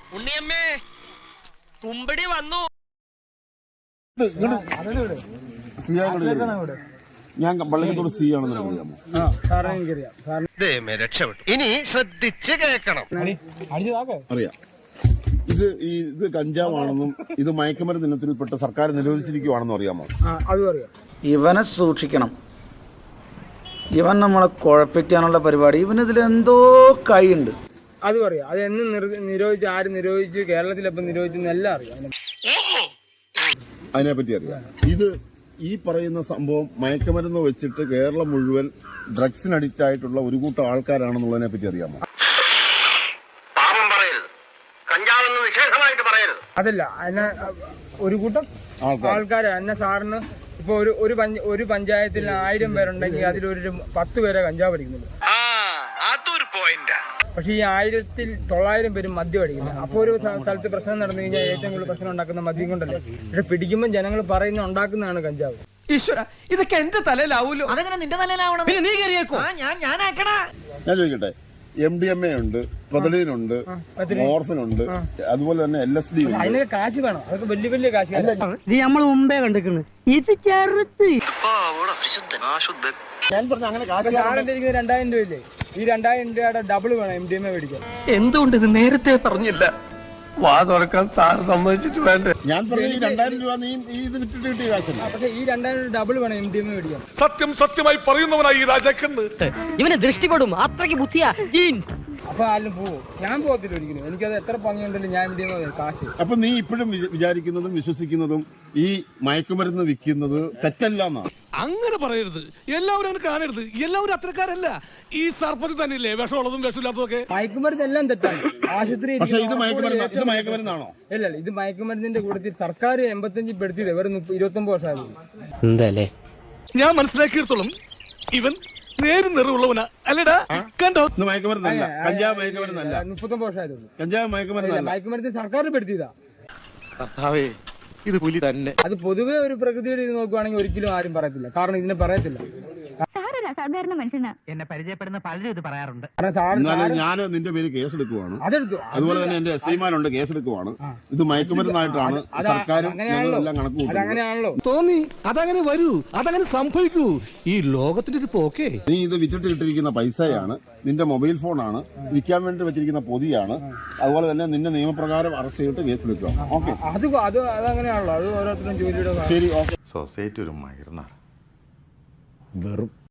ഉണ്ണിയമ്മേ കുമ്പടി വന്നു. ഞാൻ പള്ളിക്കത്തോട് സി ആണെന്ന് അറിയാമോ? രക്ഷപ്പെട്ടു. ഇനി ശ്രദ്ധിച്ച് കേൾക്കണം. അറിയാം. ഇത് കഞ്ചാവാണെന്നും ഇത് മയക്കുമരുന്ന് ഇനത്തിൽപ്പെട്ട് സർക്കാർ നിരോധിച്ചിരിക്കുവാണെന്നും അറിയാമോ? ഇവനെ സൂക്ഷിക്കണം. ഇവൻ നമ്മളെ കുഴപ്പിക്കാനുള്ള പരിപാടി. ഇവനിതിലെന്തോ കൈയുണ്ട്. അതും അറിയാം. അത് എന്ന് നിരോധിച്ച്, ആര് നിരോധിച്ച്, കേരളത്തിലെപ്പം നിരോധിച്ചെന്ന് എല്ലാം അറിയാം. അതിനെപ്പറ്റി അറിയാം. ഇത് ഈ പറയുന്ന സംഭവം മയക്കുമരുന്ന് വെച്ചിട്ട് കേരളം മുഴുവൻ ഡ്രഗ്സിന് അഡിക്റ്റ് ആയിട്ടുള്ള ഒരു കൂട്ടം ആൾക്കാരാണെന്നുള്ളതിനെ പറ്റി അറിയാമോ? അതല്ല, അതിനെ ഒരു കൂട്ടം ആൾക്കാര് എന്നെ സാറിന് ഇപ്പൊ ഒരു പഞ്ചായത്തിൽ 1000 പേരുണ്ടെങ്കിൽ അതിലൊരു 10 പേരെ കഞ്ചാവ് അടിക്കുന്നുണ്ട്. പക്ഷെ ഈ 1900 പേരും മദ്യം അടിക്കുന്നത്. അപ്പൊ ഒരു സ്ഥലത്ത് പ്രശ്നം നടന്നു കഴിഞ്ഞാൽ ഏറ്റവും കൂടുതൽ പ്രശ്നം ഉണ്ടാക്കുന്ന മദ്യം കൊണ്ടല്ലേ. പക്ഷെ പിടിക്കുമ്പോൾ ജനങ്ങൾ പറയുന്ന ഉണ്ടാക്കുന്നതാണ് കഞ്ചാവ്. ഈശ്വര, ഇതൊക്കെ എന്റെ തലയിലാവൂലോ. അതെങ്ങനെ നിന്റെ തലയിലാവണം? പിന്നെ നീ കയറിയേക്കോ. ഞാൻ ചോദിക്കട്ടെ, MDMA ഉണ്ട്, പ്രതലീനുണ്ട്, മോർഫിനുണ്ട്, അതുപോലെ തന്നെ LSD ഉണ്ട്. അതിനൊക്കെ കാശ് വേണം. അതൊക്കെ വലിയ വലിയ കാശ്. നീ നമ്മൾ മുമ്പേ കണ്ടിരിക്കുന്നു. ഇത് ചെറുത്ത് ഞാൻ പറഞ്ഞ അങ്ങനെ കാശ്. സാറിന്റെ 2000 രൂപയില്ലേ, ഈ 2000 രൂപയുടെ ഡബിൾ വേണം MDMA മേടിക്കാൻ. എന്തുകൊണ്ട് ഇത് നേരത്തെ പറഞ്ഞില്ല? വാ തുറക്കാൻ സാർ സമ്മതിച്ചിട്ട് വേണ്ടേ? ഞാൻ പറഞ്ഞ ഈ 2000 രൂപ നീ ഇത് വിറ്റിട്ട് കിട്ടിയ കാശല്ല. പക്ഷെ ഈ 2000 ഡബിൾ വേണം MDMA മേടിക്കാൻ. സത്യമായി പറയുന്നവനായി ഈ രാജാക്കന്ന്. ഇവന് ദൃഷ്ടിപ്പെടും. അത്രയ്ക്ക് ബുദ്ധിയാ ജീൻസ്. അപ്പൊ ആരും പോവും. ഞാൻ പോകത്തില്ല ഒരിക്കലും. എനിക്കത് എത്ര ഭംഗിയുണ്ടല്ലോ ഞാൻ MDMA കാശ്. അപ്പൊ നീ ഇപ്പോഴും വിചാരിക്കുന്നതും വിശ്വസിക്കുന്നതും ഈ മയക്കുമരുന്ന് വിൽക്കുന്നത് തെറ്റല്ല എന്നാണ്. അങ്ങനെ പറയരുത്. എല്ലാവരും അങ്ങനെ കാണരുത്. എല്ലാവരും അത്രക്കാരല്ല. ഈ സർപ്പത്തിൽ തന്നെയല്ലേ വിഷമുള്ളതും വിഷമില്ലാത്തതൊക്കെ. മയക്കുമരുന്ന് എല്ലാം തെറ്റാണ്. ആശുപത്രി. പക്ഷേ ഇത് മയക്കുമരുന്നാണോ? ഇല്ല, ഇത് മയക്കുമരുന്നിന്റെ കൂട്ടത്തിൽ സർക്കാർ 85 പെടുത്തിയത് വെറും 29 വർഷമായിരുന്നു. എന്തല്ലേ ഞാൻ മനസ്സിലാക്കിയിടത്തോളം ഇവൻ നേരും നിറവുള്ളവനാ അല്ലടാ. കണ്ടോ? ഇത് മയക്കുമരുന്നല്ല, കഞ്ചാവ് മയക്കുമരുന്നല്ല. 39 വർഷമായിരുന്നു. കഞ്ചാവ് മയക്കുമരുന്നല്ല. മയക്കുമരുന്ന് സർക്കാർ പെടുത്തിയതാ. ഇത് പുലി തന്നെ. അത് പൊതുവെ ഒരു പ്രകൃതിയുടെ ഇത് നോക്കുവാണെങ്കിൽ ഒരിക്കലും ആരും പറയത്തില്ല. കാരണം ഇതിനെ പറയത്തില്ല. സാധാരണ മനുഷ്യനാ. എന്നെ പരിചയപ്പെടുന്ന പലരും ഇത് പറയാറുണ്ട്. എന്നാലും ഞാൻ നിന്റെ പേര് കേസെടുക്കുവാണ്. അതെടുത്തു. അതുപോലെ തന്നെ എന്റെ SIമാരുണ്ട്, കേസെടുക്കുവാണ്. ഇത് മയക്കുമരുന്നായിട്ടാണ് സർക്കാരും എല്ലാം കണക്ക് അങ്ങനെയാണല്ലോ തോന്നി. അതങ്ങനെ വരൂ, അതങ്ങനെ സംഭവിക്കൂ. ഈ ലോകത്തിന്റെ ഒരു പോക്കേ. നീ ഇത് വിറ്റിട്ട് കിട്ടിയിരിക്കുന്ന പൈസയാണ്, നിന്റെ മൊബൈൽ ഫോണാണ്, വിൽക്കാൻ വേണ്ടി വെച്ചിരിക്കുന്ന പൊതിയാണ്. അതുപോലെ തന്നെ നിന്നെ നിയമപ്രകാരം അറസ്റ്റ് ചെയ്തിട്ട് കേസെടുക്കുക. ഓക്കെ, അതങ്ങനെയാണല്ലോ. അത് ഓരോരുത്തരും ജോലിയുടെ. ശരി, ഓക്കെ. സൊസൈറ്റി ഒരു മയർന്നാണ്. വെറും